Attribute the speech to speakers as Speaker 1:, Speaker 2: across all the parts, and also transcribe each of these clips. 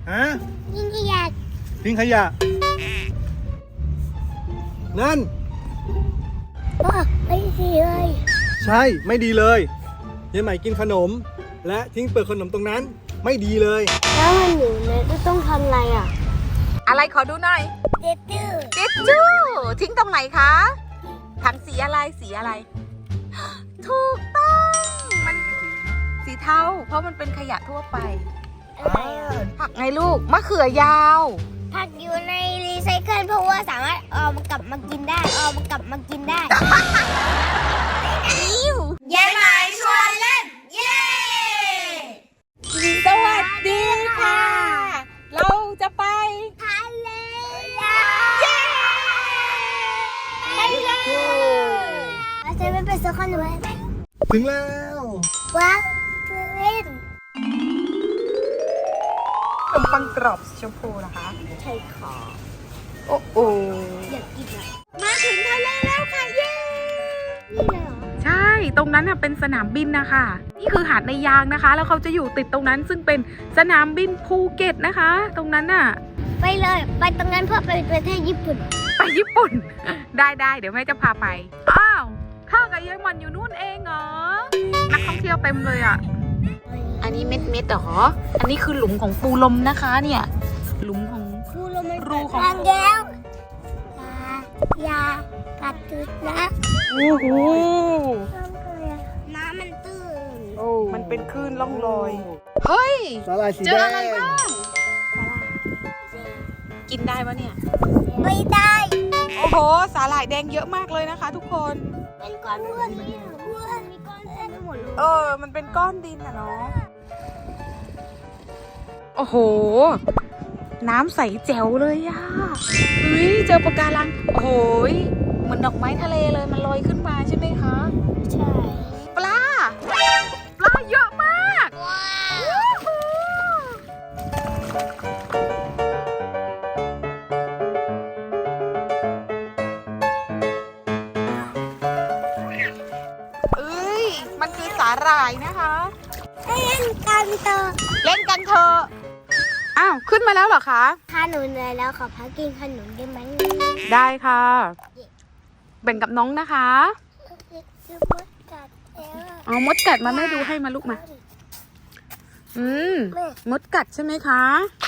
Speaker 1: ฮะ
Speaker 2: ทิ้งขยะ
Speaker 1: ทิ้งขยะนั่น
Speaker 2: ไม่ดีเลย
Speaker 1: ใช่ไม่ดีเลยยายใหม่กินขนมและทิ้งเปลือกขนมตรงนั้นไม่ดีเลย
Speaker 2: แล้วมันอยู่เนี่ยจะต้องทำอะไรอ่ะ
Speaker 3: อะไรขอดูหน่อย
Speaker 2: เด็ดดื้อ
Speaker 3: ทิชชู่ทิ้งตรงไหนคะถังสีอะไรสีอะไร ถูกต้องมันสีเทาเพราะมันเป็นขยะทั่วไปผักไงลูกมะเขือยาว
Speaker 2: ผักอยู่ในรีไซเคิลเพราะว่าสามารถเอามันกลับมากินได้
Speaker 3: ยายหมายชวนเล่นเย้สวัสดีค่ะ เราจะไป
Speaker 2: ทะเล
Speaker 3: เย้ไปเลย
Speaker 2: เราจะไม่ไปซื้อขนมไหม
Speaker 1: ถึงแล้ว
Speaker 2: ว้าวเล่น
Speaker 3: ขนมปังกรอบชมพูนะคะ
Speaker 2: ใช่ค่ะ
Speaker 3: โอ้โห
Speaker 2: อยากกินอ่ะ
Speaker 3: มาถึงทะเลแล้วค่ะเย้
Speaker 2: นี่เลยเหรอ
Speaker 3: ใช่ตรงนั้นน่ะเป็นสนามบินนะคะนี่คือหาดในยางนะคะแล้วเขาจะอยู่ติดตรงนั้นซึ่งเป็นสนามบินภูเก็ตนะคะตรงนั้นน่ะ
Speaker 2: ไปเลยไปตรงนั้นเพื่อไปประเทศญี่ปุ่น
Speaker 3: ไปญี่ปุ่น ได้เดี๋ยวแม่จะพาไปอ้าวข้ากับยายหมอนอยู่นู่นเองเหรอนักท่องเที่ยวเต็มเลยอ่ะอันนี้เม็ดเหรออันนี้คือหลุมของปูลมนะคะเนี่ยหลุมของ
Speaker 2: ปูลม
Speaker 3: รูของ
Speaker 2: แก้วอย่ากัดตึกนะ
Speaker 3: โอ้โห
Speaker 2: น้ำมันตื้น
Speaker 3: มันเป็นคลื่นล่องลอยเฮ้ย
Speaker 1: สาหร่ายสีแดง
Speaker 3: เจออะไรบ้างกินได้ปะเนี่ย
Speaker 2: ไม่ได้
Speaker 3: โอ้โหสาหร่ายแดงเยอะมากเลยนะคะทุกคน
Speaker 2: เป็นก้อนอ้วนนี่อ้วนมีก้อนแอนหมดเลย
Speaker 3: มันเป็นก้อนดินอะเนาะโอ้โหน้ำใสแจ๋วเลยอะเฮ้ยเจอปะการังโอ้โหเหมือนดอกไม้ทะเลเลยมันลอยขึ้นมาใช่ไหมคะ
Speaker 2: ใช่
Speaker 3: ปลาเยอะมากว้าวมันคือสาหร่ายนะคะ
Speaker 2: เล่นกันเถ
Speaker 3: อะอ้าวขึ้นมาแล้วเหรอคะ
Speaker 2: ถ้าหนูเหนื่อยแล้วขอพักกินขนมได้ไหม
Speaker 3: ได้ค่ะแบ่งกับน้องนะคะมดกัดมาแม่ดูให้มาลูกมามดกัดใช่ไหมคะ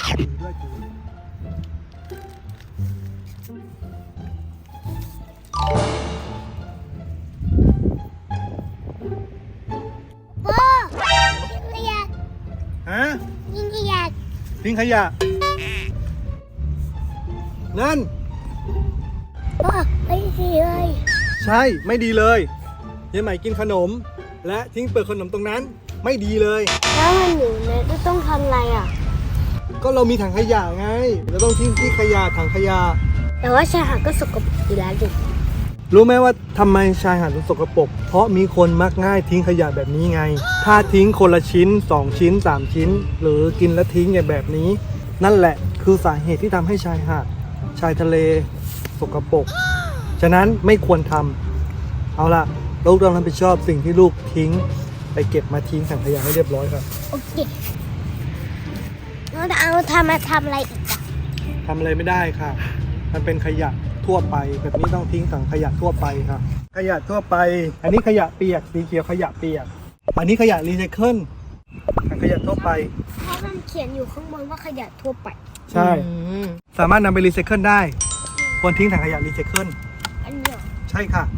Speaker 1: ฮะ
Speaker 2: ทิ้งขยะ
Speaker 1: ทิ้งขยะนั่น
Speaker 2: ไม่ดีเลย
Speaker 1: ใช่ไม่ดีเลยยายใหม่กินขนมและทิ้งเปลือกขนมตรงนั้นไม่ดีเลย
Speaker 2: แล้วมันอยู่เนี่ยจะต้องทำอะไรอ่ะ
Speaker 1: ก็เรามีถังขยะไงเราต้องทิ้งที่ขยะถังขยะ
Speaker 2: แต่ว่าชายหาดก็สกปรกอยู่แล้วดิ
Speaker 1: รู้ไหมว่าทำไมชายหาดถึงสกปรกเพราะมีคนมักง่ายทิ้งขยะแบบนี้ไงถ้าทิ้งคนละชิ้น2ชิ้น3ชิ้นหรือกินแล้วทิ้งอย่างแบบนี้นั่นแหละคือสาเหตุที่ทำให้ชายหาดชายทะเลสกปรกฉะนั้นไม่ควรทำเอาล่ะลูกต้องรับผิดชอบสิ่งที่ลูกทิ้งไปเก็บมาทิ้งถังขยะให้เรียบร้อยครับ
Speaker 2: โอเคเราเอาทำอะไรอีกอะ
Speaker 1: ทำอะไรไม่ได้ค่ะมันเป็นขยะทั่วไปแบบนี้ต้องทิ้งถังขยะทั่วไปค่ะขยะทั่วไปอันนี้ขยะเปียกสีเขียวขยะเปียกอันนี้ขยะรีไซเคิลถังขยะทั่วไป
Speaker 2: เพราะมันเขียนอยู่ข้างบนว่าขยะทั่วไป
Speaker 1: ใช่สามารถนำไปรีไซเคิลได้ควรทิ้งถังขยะรีไซเคิล
Speaker 2: อันนี้
Speaker 1: ใช่ค่ะ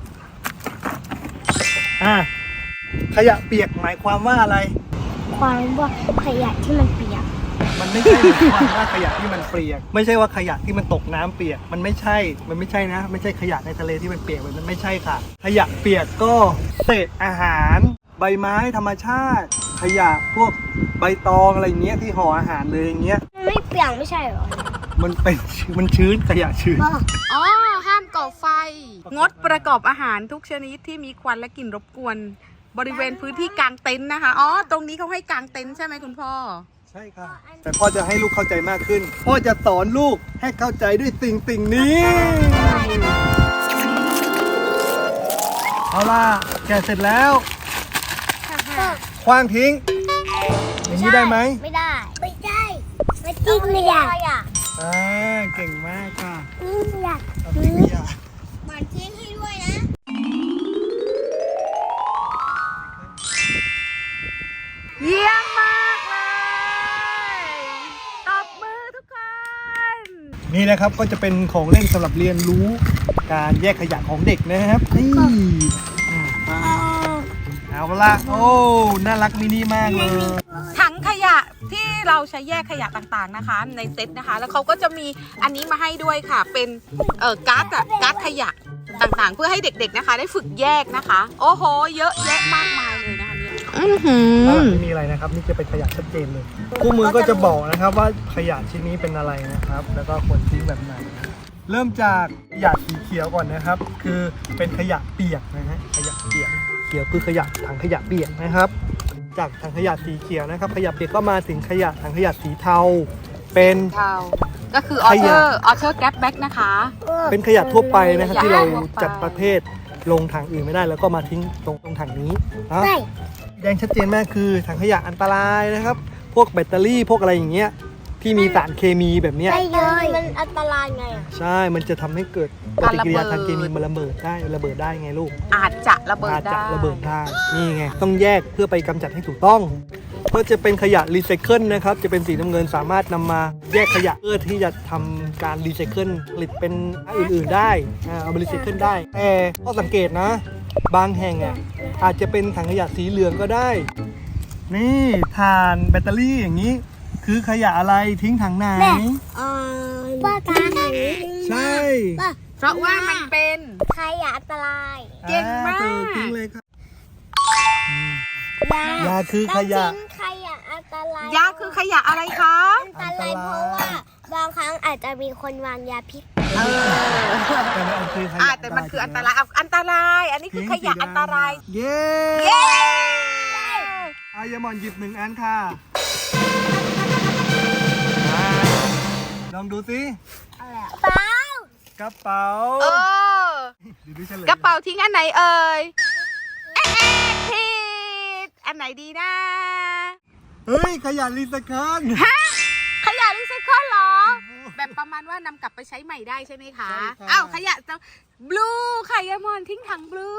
Speaker 1: ขยะเปียกหมายความว่าอะไร
Speaker 2: ความว่าขยะที่มันเปียก
Speaker 1: มันไม่ใช่ความว่าขยะที่มันเปียกไม่ใช่ว่าขยะที่มันตกน้ำเปียกมันไม่ใช่นะไม่ใช่ขยะในทะเลที่มันเปียกมันไม่ใช่ค่ะขยะเปียกก็เศษอาหารใบไม้ธรรมชาติขยะพวกใบตองอะไรเงี้ยที่ห่ออาหารเลยอย่างเงี้ย
Speaker 2: มันไม่เปียกไม่ใช่หรอ
Speaker 1: มันชื้นขยะชื้น
Speaker 3: ห้ามก่อไฟงดประกอบอาหารทุกชนิดที่มีควันและกลิ่นรบกวนบริเวณพื้นที่กางเต็นท์นะคะตรงนี้เขาให้กางเต็นท์ใช่ไหมคุณพ่อ
Speaker 1: ใช่ค่ะแต่พ่อจะให้ลูกเข้าใจมากขึ้นพ่อจะสอนลูกให้เข้าใจด้วยสิ่งนี้เอาล่ะแกะเสร็จแล้วขว้างทิ้งอย่างนี้ได้ไหม
Speaker 2: ไม่ได้ไม่จริงเลยอ่ะ
Speaker 1: เก่งมากค่ะ
Speaker 2: อยาก
Speaker 1: เอาทิ้งขยะ
Speaker 2: หมันทิ้งให้ด้วยนะ
Speaker 3: เยี่ยมมากเลยตบมือทุกคน
Speaker 1: นี่นะครับก็จะเป็นของเล่นสำหรับเรียนรู้การแยกขยะของเด็กนะครับนี่เอาละโอ้น่ารักมินิมากเลย
Speaker 3: ถังขยะที่เราใช้แยกขยะต่างๆนะคะ ในเซ็ตนะคะ แล้วเขาก็จะมีอันนี้มาให้ด้วยค่ะ เป็นการ์ดขยะต่างๆ เพื่อให้เด็กๆนะคะ ได้ฝึกแยกนะคะ โอ้โห เยอะแยะมากมายเลยนะคะเนี่ย
Speaker 1: ข้างหลังไม่มีอะไรนะครับนี่จะเป็นขยะชัดเจนเลยคู่มือก็จะบอกนะครับว่าขยะชิ้นนี้เป็นอะไรนะครับ แล้วก็ควรทิ้งแบบไหนเริ่มจากขยะสีเขียวก่อนนะครับ คือเป็นขยะเปียกนะฮะขยะเปียกเขียวคือขยะถังขยะเปียกนะครับ จากถังขยะสีเขียวนะครับ ขยะเปียกก็มาถึงขยะถังขยะสีเทาเป็น
Speaker 3: เทาก็คือออเทอร์แกร็บแบ็กนะคะ
Speaker 1: เป็นขยะทั่วไปนะครับ
Speaker 3: ขยะ
Speaker 1: ที่เรา
Speaker 3: ทั่วไป
Speaker 1: จัดประเภทลงถังอื่นไม่ได้แล้วก็มาทิ้งตรงถังนี้นะ
Speaker 2: ใช่
Speaker 1: แดงชัดเจนมากคือถังขยะอันตรายนะครับ พวกแบตเตอรี่พวกอะไรอย่างเงี้ยที่มีสารเคมีแบบเนี้ย
Speaker 2: ใช่เลยมันอันตรายไงอ่ะ
Speaker 1: ใช่ มันจะทำให้เกิดปฏิกิริยาทางเคมีมันระเบิดได้ไงลูก
Speaker 3: อาจจะระเบิด
Speaker 1: อาจ
Speaker 3: ได้
Speaker 1: จะระเบิดได้นี่ไงต้องแยกเพื่อไปกำจัดให้ถูกต้องก็จะเป็นขยะรีไซเคิลนะครับจะเป็นสีน้ำเงินสามารถนำมาแยกขยะเพื่อที่จะทำการรีไซเคิลผลิตเป็นอื่นๆได้เอาไปรีไซเคิลได้แต่ข้อสังเกตนะ บางแห่งอ่ะอาจจะเป็นถังขยะสีเหลืองก็ได้ นี่ถ่านแบตเตอรี่อย่างนี้ คือขยะอะไรทิ้งถังไหน
Speaker 2: ป้าตาไหน
Speaker 1: ใช่
Speaker 3: เพราะว่ามันเป็น
Speaker 2: ใครอ่ะอันตราย
Speaker 3: เก่งมาก
Speaker 1: ถูทิ้งเลยครับ
Speaker 2: ยาย
Speaker 1: าคือขยะ
Speaker 2: ต้องทิ้งขยะอันตราย
Speaker 3: ยาคือขยะอะไรคะ
Speaker 2: อันตรายเพราะว่าบางครั้งอาจจะมีคนวางยาพิษ
Speaker 1: แต่มันคือขยะ
Speaker 3: แต่มันคืออันตรายอันตราย อันนี้คือขยะอันตราย
Speaker 1: เย้
Speaker 3: เย้
Speaker 1: อายามอนหยิบ1 อันค่ะลองดูสิ
Speaker 2: เปล่าก
Speaker 1: ระเป๋า
Speaker 3: เออ
Speaker 1: เดี๋ยวดูเฉลย
Speaker 3: กระเป๋าทิ้งอันไหนเอ่ยผิดอันไหนดีนะ
Speaker 1: เฮ้ยขยะรีไซเคิล
Speaker 3: ขยะรีไซเคิลเหรอ แบบประมาณว่านำกลับไปใช้ใหม่ได้ใช่ไหมคะ
Speaker 1: ใช่ค่ะ
Speaker 3: อ้าวขยะจะบลูค่ะยายมอนทิ้งถังบลู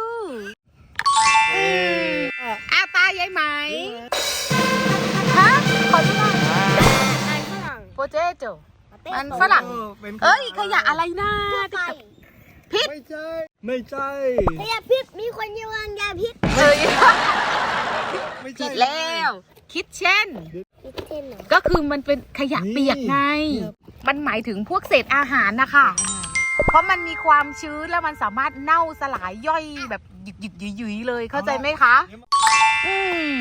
Speaker 3: อ้าวตายายไหมฮะขอดูหน่อย
Speaker 2: อันฝรั่ง
Speaker 3: โปเตโต้ มันฝรั่ง
Speaker 1: เป็น
Speaker 3: เอ้ยขยะอะไรนะ
Speaker 2: ไก่
Speaker 3: พิษ
Speaker 1: ไม่ใช่ ไม่ใช่
Speaker 2: ขยะพิษมีคนวางยาพิษ
Speaker 3: เอ้ย
Speaker 1: ไม่ใช่
Speaker 3: ผิดแล้วคิดเช่น
Speaker 2: พิษเช่นไหน
Speaker 3: ก็คือมันเป็นขยะเปียกไง มันหมายถึงพวกเศษอาหารนะคะ เพราะมันมีความชื้นแล้วมันสามารถเน่าสลายย่อยแบบหยุดหยุยๆเลยเข้าใจไหมคะ อืม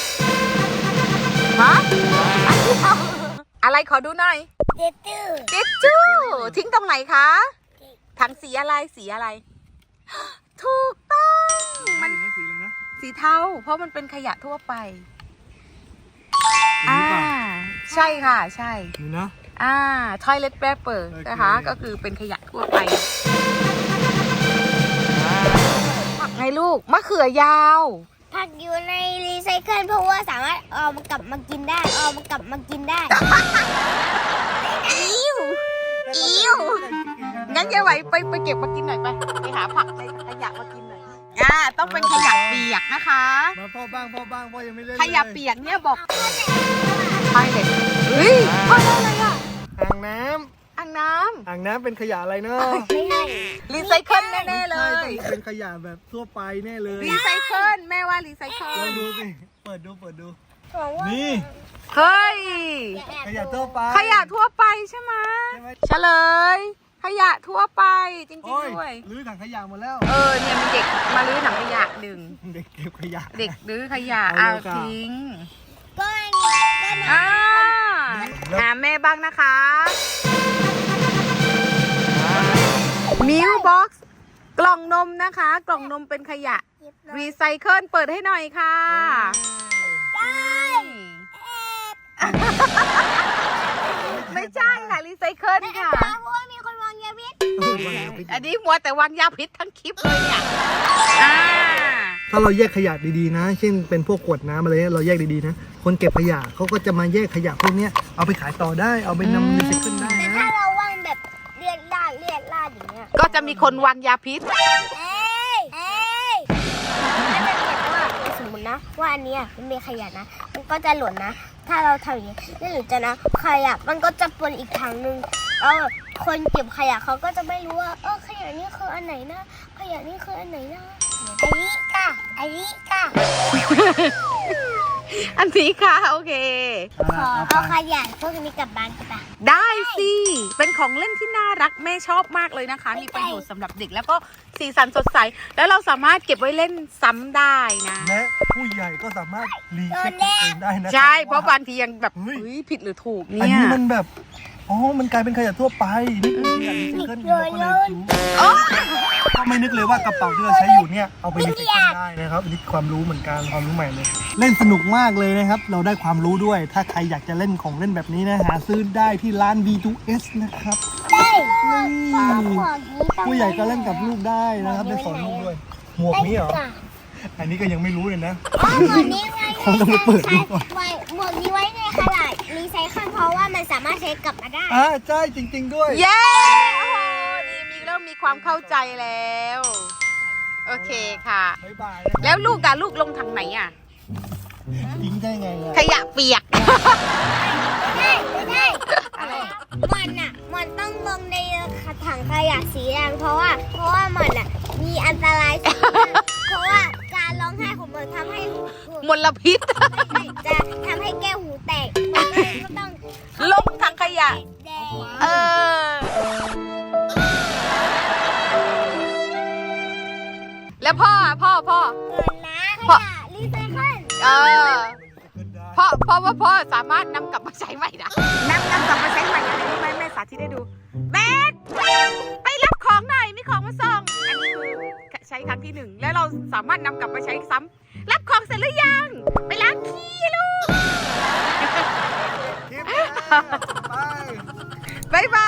Speaker 3: ฮะอะไรขอดูหน่อย
Speaker 2: เด็ดตื้อ
Speaker 3: ทิชชู่ทิ้งตรงไหนคะถังสีอะไรสีอะไร ถูกต้องมัน
Speaker 1: สีอะไรนะ
Speaker 3: สีเทาเพราะมันเป็นขยะทั่วไป
Speaker 1: สีนี้เปล่า
Speaker 3: ใช่ค่ะใช่
Speaker 1: นี่นะ
Speaker 3: toilet paper
Speaker 1: โอเค
Speaker 3: นะคะก็คือเป็นขยะทั่วไปผักไงลูกมะเขือยาว
Speaker 2: ผักอยู่ในรีไซเคิลเพราะว่าสามารถเอามากลับมากินได้
Speaker 3: อิ้วงั้นยายไหวไปเก็บมากินหน่อยไปหาผักในขยะมากินหน่อยต้องเป็นขยะเปียกนะคะ
Speaker 1: มาพ่อบ้างพ่อยังไม่เล่น
Speaker 3: ขยะเปียกเนี่ยบอกใช่เลยเฮ้ยพ่อได้อะไรอ่ะ
Speaker 1: อ่างน้
Speaker 3: อ่างน้
Speaker 1: ำอ่างน้ำเป็นขยะอะไรเนาะ
Speaker 2: ไม่ใช่
Speaker 3: ำรีไซเคิลแน่ๆเล
Speaker 1: ใช่
Speaker 3: ย
Speaker 1: ต้องเป็นขยะแบบทั่วไปแน่เลย
Speaker 3: รีไซเคิลแม่ว่ารีไซเคิ
Speaker 1: ลอ
Speaker 3: ล
Speaker 1: งดูสิเปิดดู
Speaker 2: บอกว่า
Speaker 1: นี่
Speaker 3: เฮ้ย
Speaker 2: อย่าแอบ
Speaker 1: ขยะทั่วไป
Speaker 3: ขยะทั่วไปใช่ไหม
Speaker 1: ใช่ไหม
Speaker 3: เฉลย ขยะทั่วไปจริง
Speaker 1: โอ้ย
Speaker 3: ๆด้วย
Speaker 1: รื้อถังขยะหมดแล้ว
Speaker 3: เนี่ยมีเด็กมาลื้อถังขยะดึง
Speaker 1: เด็กเก็บขยะ
Speaker 3: เด็กลื้อขยะ
Speaker 1: เอา
Speaker 3: เอา
Speaker 1: เลยค่ะ
Speaker 3: ทิ้ง
Speaker 2: ก็นะ
Speaker 3: แม่บ้างนะคะมิลบ็อกซ์กล่องนมนะคะ กล่องนมเป็นขยะรีไซเคิลเปิดให้หน่อยค่ะ ไม่ใช่ค่ะรีไซเคิลค่ะ
Speaker 2: เพราะว่ามีคนวางยาพิษ
Speaker 3: อันนี้มัวแต่วางยาพิษทั้งคลิปเลยเนี่ย
Speaker 1: ถ้าเราแยกขยะดีๆนะ เช่นเป็นพวกขวดน้ำอะไรเนี่ยเราแยกดีๆนะ คนเก็บขยะเขาก็จะมาแยกขยะพวกเนี้ยเอาไปขายต่อได้เอาไปนำรีไซเคิลได้
Speaker 2: แต่
Speaker 1: นะ
Speaker 2: ถ้าเราวางแบบเลียดลาดอย่างเงี้ย
Speaker 3: ก็จะมีคนวางยาพิษ
Speaker 2: เอ้ยถ้าจะเก็บว่าสมมตินะว่าอันเนี้ยมันมีขยะนะ มันก็จะหล่นนะ ถ้าเราทำอย่างนี้แล้วหรือจะนะขยะมันก็จะปนอีกทางนึงแล้วคนเก็บขยะเขาก็จะไม่รู้ว่าขยะนี่คืออันไหนนะขยะนี่คืออันไหนนะอันนี้ค่ะ
Speaker 3: อันนี้ค่ะโอเค
Speaker 2: ขอเอาขยะพวกนี้กลับบ้านกันปะ
Speaker 3: ได้สิ เป็นของเล่นที่น่ารักแม่ชอบมากเลยนะคะ มีประโยชน์สำหรับเด็กแล้วก็สีสันสดใส แล้วเราสามารถเก็บไว้เล่นซ้ำได้นะ
Speaker 1: และผู้ใหญ่ก็สามารถรีเช็คตัวเองได้นะ
Speaker 3: ใช่ เพราะบางทียังแบบ
Speaker 1: เฮ้ย
Speaker 3: เฮ้ยผิดหรือถูก
Speaker 1: อัน
Speaker 3: เนี่ย
Speaker 1: นี้มันแบบอ๋อมันกลายเป็นขยะทั่วไปนี่คือขยะรีไซเคิลเราก็เลยรู้ก็ไม่นึกเลยว่ากระเป๋าที่เราใช้อยู่เนี่ยเอาไปรีไซเคิลได้นะครับอันนี้ความรู้เหมือนกันความรู้ใหม่เลย เล่นสนุกมากเลยนะครับ เราได้ความรู้ด้วย ถ้าใครอยากจะเล่นของเล่นแบบนี้นะหาซื้อได้ที่ร้าน V2S นะครับ
Speaker 2: ได้หมวกนี้ต้อง
Speaker 1: ผู้ใหญ่ก็เล่นกับลูกได้นะครับได้สอนลูกด้วย หมวกนี้เหรอ อันนี้ก็ยังไม่รู้เลยนะ
Speaker 2: หมวกนี้ไว้
Speaker 1: เขาต้องไปเปิดดูก่อน
Speaker 2: หมวกนี้ไว้ในขนาดรีไซเคิลเพราะว่ามันสามารถใช้กลับมาได้
Speaker 1: ใช่จริง ๆ ด้วย
Speaker 3: เย้โอ้โหนี่เริ่มมีความเข้าใจแล้ว โอเคค่ะ
Speaker 1: บ๊ายบาย
Speaker 3: แล้วลูกลูกลงทางไหนอ่ะ
Speaker 1: ทิ้งได้ไงอะ
Speaker 3: ขยะเปียก
Speaker 2: ไม่ได้มันต้องลงในถังขยะสีแดงเพราะว่ามันอ่ะมีอันตรายสูงมากเพราะว่าการร้องไห้ของมันทำให้
Speaker 3: มลพิษ
Speaker 2: จะทำให้แก้วหูแตกมันก็ต้อง
Speaker 3: ลงถังขยะ
Speaker 2: แดง
Speaker 3: เออ แล้วพ่อ
Speaker 2: เ
Speaker 3: พ่อ
Speaker 2: กินนะขยะรีไซเคิล
Speaker 3: เออพ่อสามารถนำกลับมาใช้ใหม่นะนำกลับมาใช้ใหม่อะไรรู้ไหมแม่สาธิตให้ดูแม่ไปรับของหน่อยมีของมาส่งอันนี้คือใช้ครั้งที่ 1แล้วเราสามารถนำกลับมาใช้ซ้ำรับของเสร็จหรือยังไปล้างขี้ลูก
Speaker 1: คลิปหน้าไป
Speaker 3: บ๊ายบา